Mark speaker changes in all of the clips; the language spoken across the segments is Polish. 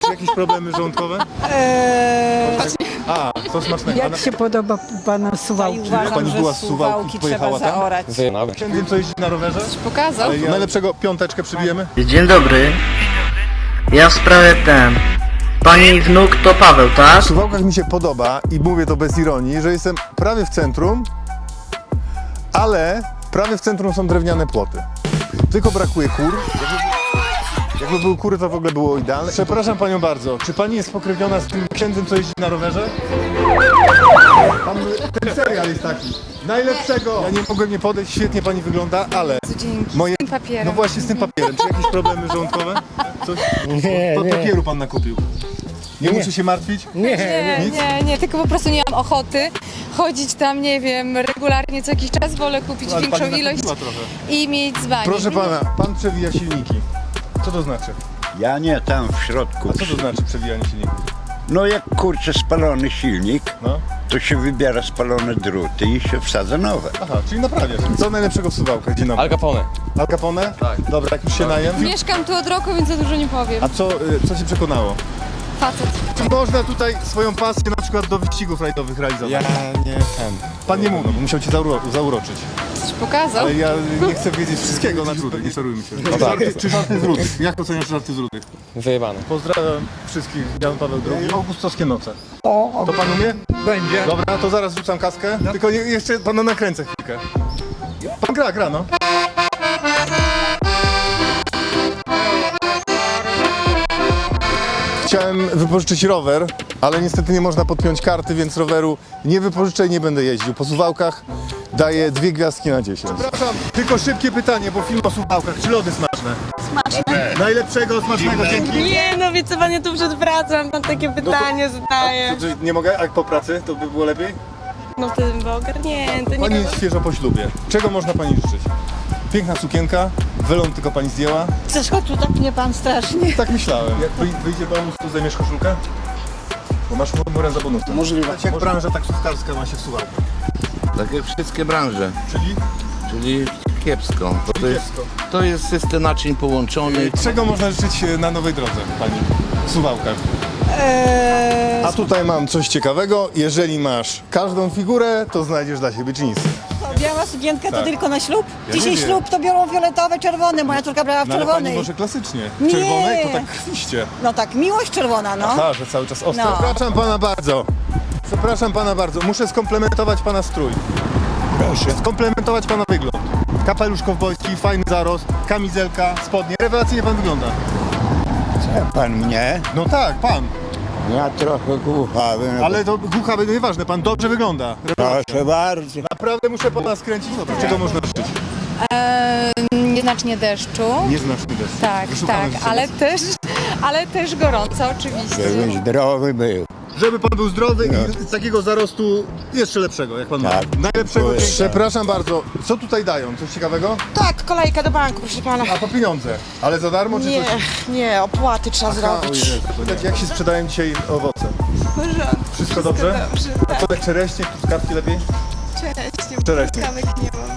Speaker 1: Czy jakieś problemy żołądkowe? A, to smacznego.
Speaker 2: Jak się podoba panu Suwałki?
Speaker 1: Jak pani była z Suwałki, pojechała tam? Wiem, co jeździ na rowerze?
Speaker 3: Pokazał.
Speaker 1: Ale najlepszego piąteczkę przybijemy?
Speaker 4: Dzień dobry. Ja w sprawie Pani wnuk to Paweł, tak?
Speaker 1: W Suwałkach mi się podoba i mówię to bez ironii, że jestem prawie w centrum, ale prawie w centrum są drewniane płoty. Tylko brakuje kur. Jakby były kury, to w ogóle było idealne. Przepraszam panią bardzo, czy pani jest spokrewniona z tym księdzem, co jeździ na rowerze? Ten serial jest taki. Najlepszego! Ja nie mogłem nie podejść, świetnie pani wygląda, ale moje...
Speaker 3: Z tym papierem.
Speaker 1: No właśnie z tym papierem. Czy jakieś problemy żołądkowe? Coś? To papieru pan nakupił. Nie muszę się martwić?
Speaker 3: Nie, tylko po prostu nie mam ochoty chodzić tam, nie wiem, regularnie co jakiś czas, wolę kupić
Speaker 1: Ale
Speaker 3: większą
Speaker 1: pani
Speaker 3: ilość
Speaker 1: nakupiła trochę.
Speaker 3: i mieć dzbanik.
Speaker 1: Proszę pana, pan przewija silniki. Co to znaczy?
Speaker 5: Ja nie, tam w środku.
Speaker 1: A co to znaczy przewijanie silników?
Speaker 5: No jak kurczę spalony silnik,
Speaker 1: No.
Speaker 5: to się wybiera spalone druty i się wsadza nowe.
Speaker 1: Aha, czyli naprawia się. Co najlepszego w Suwałkach? Dzień dobry.
Speaker 6: Al Capone.
Speaker 1: Al Capone? Tak. Dobra, jak już się najem.
Speaker 3: Mieszkam tu od roku, więc za dużo nie powiem.
Speaker 1: A co cię przekonało?
Speaker 3: Facet.
Speaker 1: Czy można tutaj swoją pasję na przykład do wyścigów rajdowych realizować?
Speaker 6: Ja nie ten.
Speaker 1: Pan nie mówi, bo musiał cię zauroczyć.
Speaker 3: Coś pokazał.
Speaker 1: Ale ja nie chcę wiedzieć wszystkiego na żółtych, nie szorujmy się. Czy żarty z Rudych? Jak oceniasz żarty z Rudych?
Speaker 6: Wyjebane.
Speaker 1: Pozdrawiam wszystkich, Jan Paweł II. Augustowskie noce. To pan umie?
Speaker 2: Będzie.
Speaker 1: Dobra, to zaraz rzucam kaskę. Tylko jeszcze pana nakręcę chwilkę. Pan gra, no. Chciałem wypożyczyć rower, ale niestety nie można podpiąć karty, więc roweru nie wypożyczę i nie będę jeździł. Po Suwałkach daję 2 gwiazdki na 10. Przepraszam, tylko szybkie pytanie, bo film o Suwałkach. Czy lody smaczne? Smaczne. Najlepszego, smacznego, dzięki.
Speaker 7: Nie, no wie co, panie tu przed pracą, pan takie pytanie zadaje.
Speaker 1: Czy nie mogę? A po pracy to by było lepiej?
Speaker 7: No wtedy bym była ogarnięty,
Speaker 1: Pani
Speaker 7: nie
Speaker 1: jest świeżo po ślubie. Czego można pani życzyć? Piękna sukienka, welon tylko pani zdjęła.
Speaker 2: Chcesz chodź tu, tak mnie pan strasznie.
Speaker 1: Tak myślałem. Jak wyjdzie pomóc, to zajmiesz koszulkę? Bo masz murę za bonusem. Możliwe. Jak branża taksówkarska ma się w Suwałkach?
Speaker 8: Tak jak wszystkie branże,
Speaker 1: Czyli
Speaker 8: kiepsko. Bo
Speaker 1: kiepsko.
Speaker 8: to jest system naczyń połączony.
Speaker 1: Czego można życzyć na nowej drodze, pani? W Suwałkach. A tutaj mam coś ciekawego. Jeżeli masz każdą figurę, to znajdziesz dla siebie dżinsy.
Speaker 2: Biała sukienka to
Speaker 1: Tak.
Speaker 2: tylko na ślub?
Speaker 1: Ja
Speaker 2: Dzisiaj
Speaker 1: nie wiem.
Speaker 2: ślub to biorą fioletowe, czerwone. Moja córka brała w
Speaker 1: No ale pani
Speaker 2: czerwonej.
Speaker 1: może klasycznie. W
Speaker 2: Nie.
Speaker 1: czerwonej to tak krwiście.
Speaker 2: No tak, miłość czerwona, no.
Speaker 1: Aha, że cały czas ostro.
Speaker 2: No.
Speaker 1: Przepraszam pana bardzo. Przepraszam pana bardzo. Muszę skomplementować pana strój. Proszę. Skomplementować pana wygląd. Kapelusz kowbojski, fajny zarost, kamizelka, spodnie. Rewelacyjnie pan wygląda.
Speaker 5: Pan mnie?
Speaker 1: No tak, pan.
Speaker 5: Ja trochę głuchawy.
Speaker 1: Ale to głuchawy, no nieważne, pan dobrze wygląda. Rewelacja.
Speaker 5: Proszę bardzo.
Speaker 1: Naprawdę muszę pana skręcić. Czego można życzyć?
Speaker 3: Nieznacznie deszczu.
Speaker 1: Nieznaczny deszcz.
Speaker 3: Tak,
Speaker 1: Wyszukamy
Speaker 3: tak,
Speaker 1: życzenia.
Speaker 3: ale też gorąco oczywiście.
Speaker 5: Żebym zdrowy był.
Speaker 1: Żeby pan był zdrowy i z takiego zarostu jeszcze lepszego, jak pan
Speaker 5: Tak.
Speaker 1: ma. Najlepszego.
Speaker 5: Proszę.
Speaker 1: Przepraszam bardzo, co tutaj dają? Coś ciekawego?
Speaker 7: Tak, kolejka do banku, proszę pana.
Speaker 1: A po pieniądze. Ale za darmo czy
Speaker 7: Nie,
Speaker 1: coś?
Speaker 7: nie, opłaty trzeba zrobić.
Speaker 1: Pytać, jak się sprzedają dzisiaj owoce? Wszystko dobrze? A co tak czereśnie, truskawki lepiej? Czereśnie.
Speaker 3: nie mam.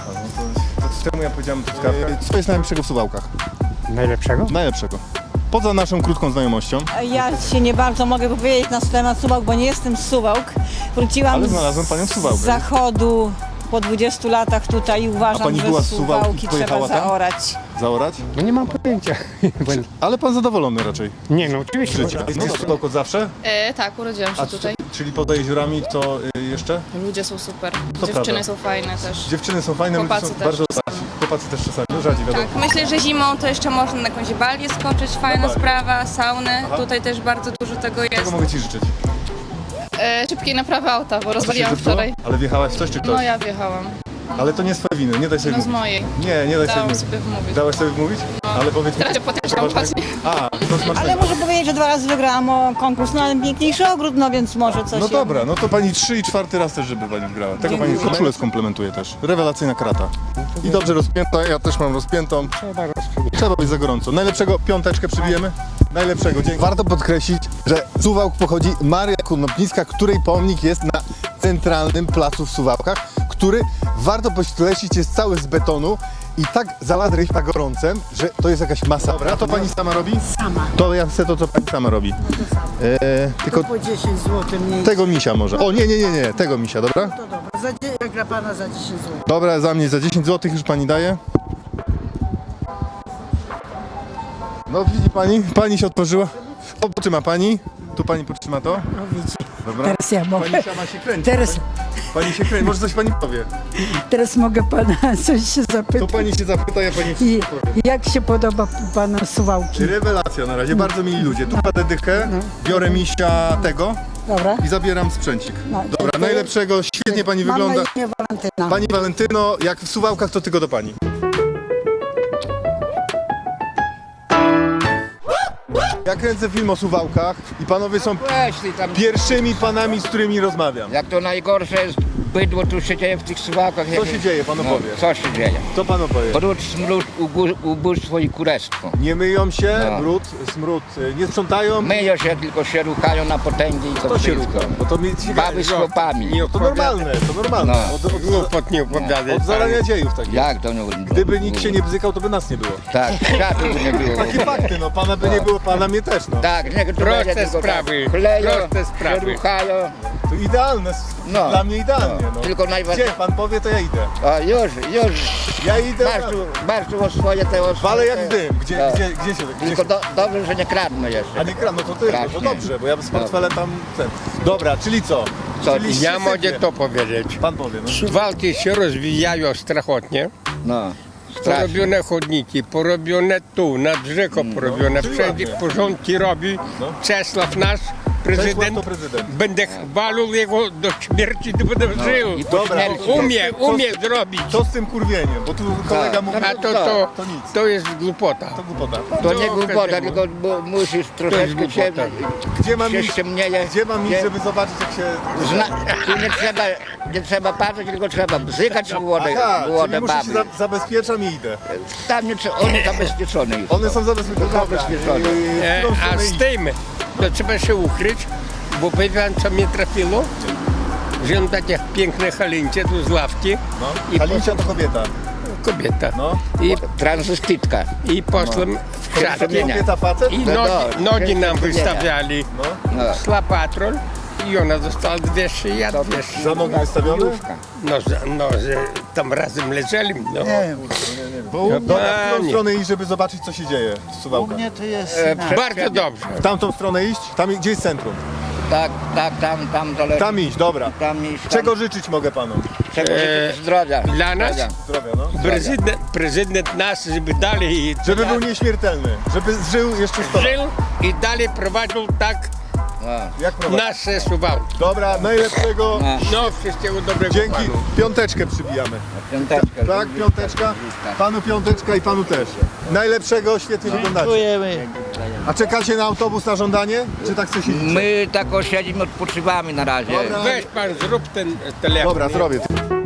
Speaker 1: To czemu ja powiedziałem truskawkę? Co jest najlepszego w Suwałkach?
Speaker 6: Najlepszego?
Speaker 1: Najlepszego. Poza naszą krótką znajomością.
Speaker 2: Ja się nie bardzo mogę powiedzieć na temat Suwałk, bo nie jestem z Suwałk. Wróciłam
Speaker 1: Ale znalazłem panią w
Speaker 2: z
Speaker 1: Suwałkach.
Speaker 2: zachodu po 20 latach tutaj i
Speaker 1: A
Speaker 2: uważam,
Speaker 1: pani
Speaker 2: że
Speaker 1: była z Suwałk i
Speaker 2: Suwałki trzeba
Speaker 1: pojechała tam?
Speaker 2: zaorać.
Speaker 1: Zaorać?
Speaker 6: No nie mam pojęcia.
Speaker 1: Ale pan zadowolony raczej
Speaker 6: Nie no, oczywiście.
Speaker 1: życia. Jest Suwałk od zawsze?
Speaker 9: Tak, urodziłam się tutaj.
Speaker 1: Czyli poza jeziorami to jeszcze?
Speaker 9: Ludzie są super.
Speaker 1: prawda.
Speaker 9: Dziewczyny są fajne też.
Speaker 1: Dziewczyny są fajne, ludzie
Speaker 9: Chłopacy
Speaker 1: są
Speaker 9: też
Speaker 1: bardzo
Speaker 9: czasami.
Speaker 1: otwarci. Chłopacy też czasami, no rzadziej wiadomo.
Speaker 9: Tak, myślę, że zimą to jeszcze można na jakąś balię skoczyć, fajna
Speaker 1: balię.
Speaker 9: sprawa, saunę.
Speaker 1: Aha.
Speaker 9: Tutaj też bardzo dużo tego jest.
Speaker 1: Czego mogę ci życzyć?
Speaker 9: Szybkiej naprawy auta, bo rozwaliłam
Speaker 1: zepsuło?
Speaker 9: wczoraj.
Speaker 1: Ale wjechałaś w coś czy ktoś?
Speaker 9: No ja wjechałam.
Speaker 1: Ale to nie z twojej winy, nie daj sobie
Speaker 9: No z
Speaker 1: mówić.
Speaker 9: mojej.
Speaker 1: Nie daj
Speaker 9: Dałam
Speaker 1: sobie
Speaker 9: sobie wmówić.
Speaker 1: Dałaś sobie wmówić? Ale powiedz mi...
Speaker 9: Teraz się potężam właśnie.
Speaker 1: A, to smacznego.
Speaker 2: Ale muszę powiedzieć, że 2 razy wygrałam o konkurs na piękniejszy ogród, no więc może coś.
Speaker 1: No dobra, no to pani 3 i 4 raz też, żeby pani wygrała. Tego pani koszulę skomplementuje też. Rewelacyjna krata. I dobrze rozpięta, ja też mam rozpiętą. Trzeba być za gorąco. Najlepszego piąteczkę przybijemy? Najlepszego, dzięki. Warto podkreślić, że z Suwałk pochodzi Maria Konopnicka, której pomnik jest na centralnym placu w Suwałkach, który, warto podkreślić, jest cały z betonu i tak zalać ryż na gorącem, że to jest jakaś masa. Dobra, to pani sama robi?
Speaker 2: Sama.
Speaker 1: To ja chcę to, co pani sama robi.
Speaker 2: No to samo.
Speaker 1: Tylko
Speaker 2: Po 10 zł mniej.
Speaker 1: tego misia może. O, nie, tego misia, dobra?
Speaker 2: To dobra. Jak dla pana za 10 zł.
Speaker 1: Dobra, za mnie za 10 zł już pani daje. No widzi pani się otworzyła. O, potrzyma pani. Tu pani potrzyma to.
Speaker 2: No widzi.
Speaker 1: Dobra.
Speaker 2: Teraz ja mogę.
Speaker 1: Pani sama się kręci.
Speaker 2: Teraz,
Speaker 1: Pani się kręci, może coś pani powie.
Speaker 2: teraz mogę pana coś się
Speaker 1: To
Speaker 2: zapytać.
Speaker 1: pani się zapyta, ja pani
Speaker 2: I
Speaker 1: wszystko powiem.
Speaker 2: jak się podoba pana suwałki?
Speaker 1: Rewelacja na razie, bardzo mili ludzie. Tu kładę dychę, biorę misia tego
Speaker 2: Dobra.
Speaker 1: i zabieram sprzęcik.
Speaker 2: No,
Speaker 1: Dobra,
Speaker 2: dziękuję.
Speaker 1: najlepszego, świetnie pani
Speaker 2: Mam
Speaker 1: wygląda.
Speaker 2: na imię Walentyna.
Speaker 1: Pani Walentyno, jak w Suwałkach, to tylko do pani. Ja kręcę film o Suwałkach i panowie są
Speaker 10: Weź tam,
Speaker 1: pierwszymi panami, z którymi rozmawiam.
Speaker 10: jak to najgorsze jest bydło tu się dzieje w tych Suwałkach.
Speaker 1: Co się dzieje, pan opowie?
Speaker 10: Co się dzieje?
Speaker 1: Co pan opowie?
Speaker 10: Brud, smród, ubóstwo i kurestwo.
Speaker 1: Nie myją się,
Speaker 10: No.
Speaker 1: brud, smród, nie sprzątają.
Speaker 10: Myją się, tylko się ruchają na potęgi i to
Speaker 1: To się
Speaker 10: wszystko.
Speaker 1: rucha, bo to mi
Speaker 10: Baby z chłopami.
Speaker 1: To normalne, to normalne.
Speaker 10: No.
Speaker 1: Od,
Speaker 6: nie opowiadaj.
Speaker 1: od zarania dziejów takich.
Speaker 10: Jak to nie?
Speaker 1: Gdyby nikt się nie bzykał, to by nas nie było.
Speaker 10: Tak, światu by nie było.
Speaker 1: Takie fakty, no pana by nie było, pana mnie też, no.
Speaker 10: Tak, nie, to
Speaker 6: Proste
Speaker 10: będzie tylko
Speaker 6: sprawy,
Speaker 10: tak. Kleją,
Speaker 6: proste sprawy.
Speaker 10: się ruchają.
Speaker 1: To idealne,
Speaker 10: No.
Speaker 1: dla mnie idealnie, no.
Speaker 10: Tylko
Speaker 1: Gdzie
Speaker 10: najważniejsze.
Speaker 1: pan powie, to ja idę.
Speaker 10: O, już.
Speaker 1: Ja idę,
Speaker 10: Masz tu o swoje te o
Speaker 1: walę
Speaker 10: swoje.
Speaker 1: jak dym. Gdzie
Speaker 10: Tak.
Speaker 1: się...
Speaker 10: Tylko dobrze, że nie kradnę jeszcze.
Speaker 1: A nie kradł, no to ty, no to
Speaker 10: Strasznie.
Speaker 1: dobrze, bo ja z portfelem tam... Dobra, czyli co?
Speaker 10: Co?
Speaker 1: Czyli
Speaker 6: Ja
Speaker 1: się
Speaker 6: mogę
Speaker 1: sypie.
Speaker 6: to powiedzieć.
Speaker 1: Pan powie, no.
Speaker 6: Walki się rozwijają strasznie.
Speaker 10: No. Strasznie.
Speaker 6: Porobione chodniki, porobione tu, nad rzeką porobione,
Speaker 1: czyli
Speaker 6: wszędzie
Speaker 1: ładnie.
Speaker 6: porządki robi.
Speaker 1: No.
Speaker 6: Czesław nasz, prezydent,
Speaker 1: to prezydent.
Speaker 6: będę chwalił jego do śmierci, to będę żył.
Speaker 10: I po
Speaker 1: Dobra,
Speaker 10: śmierci.
Speaker 6: Umie zrobić.
Speaker 1: Co z tym kurwieniem? Bo tu kolega
Speaker 10: Tak.
Speaker 1: mówi,
Speaker 6: A
Speaker 1: to nic.
Speaker 6: to jest głupota.
Speaker 1: To głupota.
Speaker 10: To nie
Speaker 6: To
Speaker 10: głupota,
Speaker 6: każdemu.
Speaker 10: tylko musisz troszeczkę się,
Speaker 1: Gdzie mam
Speaker 10: się
Speaker 1: iść,
Speaker 10: ściemnieje.
Speaker 1: gdzie mam iść,
Speaker 10: Nie-
Speaker 1: żeby zobaczyć, jak się...
Speaker 10: Tu nie trzeba patrzeć, tylko trzeba bzykać w wodę,
Speaker 1: Aha, czyli
Speaker 10: wodę
Speaker 1: muszę się
Speaker 10: baby.
Speaker 1: zabezpieczam i idę.
Speaker 10: Tam nie trzeba, oni zabezpieczone już.
Speaker 1: One są zabezpieczone. Dobra,
Speaker 10: Zabezpieczone.
Speaker 1: w którą
Speaker 6: A
Speaker 1: stronę
Speaker 6: z
Speaker 1: iść?
Speaker 6: tym to trzeba się ukryć, bo wie pan co mnie trafiło? Że on takie piękne halincie tu z ławki
Speaker 1: No.
Speaker 6: I
Speaker 1: Halincia to kobieta.
Speaker 6: kobieta.
Speaker 1: No.
Speaker 10: Transwestytka.
Speaker 6: I poszłem w krzatki
Speaker 1: Kobieta, facet?
Speaker 6: i
Speaker 10: No,
Speaker 6: nogi nam
Speaker 10: nie.
Speaker 6: wystawiali.
Speaker 1: No.
Speaker 10: No.
Speaker 6: Szła patrol i ona dostała 200, ja 200.
Speaker 1: Za nogi wystawione?
Speaker 6: Że tam razem leżeli. No.
Speaker 1: Dobra, w którą
Speaker 6: nie.
Speaker 1: stronę iść, żeby zobaczyć, co się dzieje w Suwałkach?
Speaker 6: Bardzo dobrze.
Speaker 1: W tamtą stronę iść? Tam, gdzie jest centrum?
Speaker 10: Tak, tam zależy.
Speaker 1: Tam iść, dobra.
Speaker 10: Tam iść.
Speaker 1: Czego życzyć mogę panu?
Speaker 10: Czego życzyć? Zdrowia.
Speaker 6: Dla nas?
Speaker 10: Zdrowia.
Speaker 1: Zdrowia, no.
Speaker 6: Prezydent nas, żeby dalej
Speaker 1: Żeby był nieśmiertelny, żeby żył jeszcze 100 lat.
Speaker 6: żył i dalej prowadził tak
Speaker 10: No.
Speaker 1: Jak prowadzi?
Speaker 6: nasze Suwałki.
Speaker 1: Dobra, najlepszego.
Speaker 10: No.
Speaker 6: No, wszystkiego dobrego
Speaker 1: Dzięki.
Speaker 6: panu.
Speaker 1: Piąteczkę przybijamy.
Speaker 10: Piąteczkę.
Speaker 1: Tak, piąteczka. Panu piąteczka i panu też. Najlepszego, świetnie wyglądacie. A czekacie na autobus na żądanie? Czy tak chcecie siedzieć?
Speaker 10: My tak siedzimy, odpoczywamy na razie.
Speaker 1: Dobra.
Speaker 6: Weź pan, zrób ten telefon.
Speaker 1: Dobra, zrobię.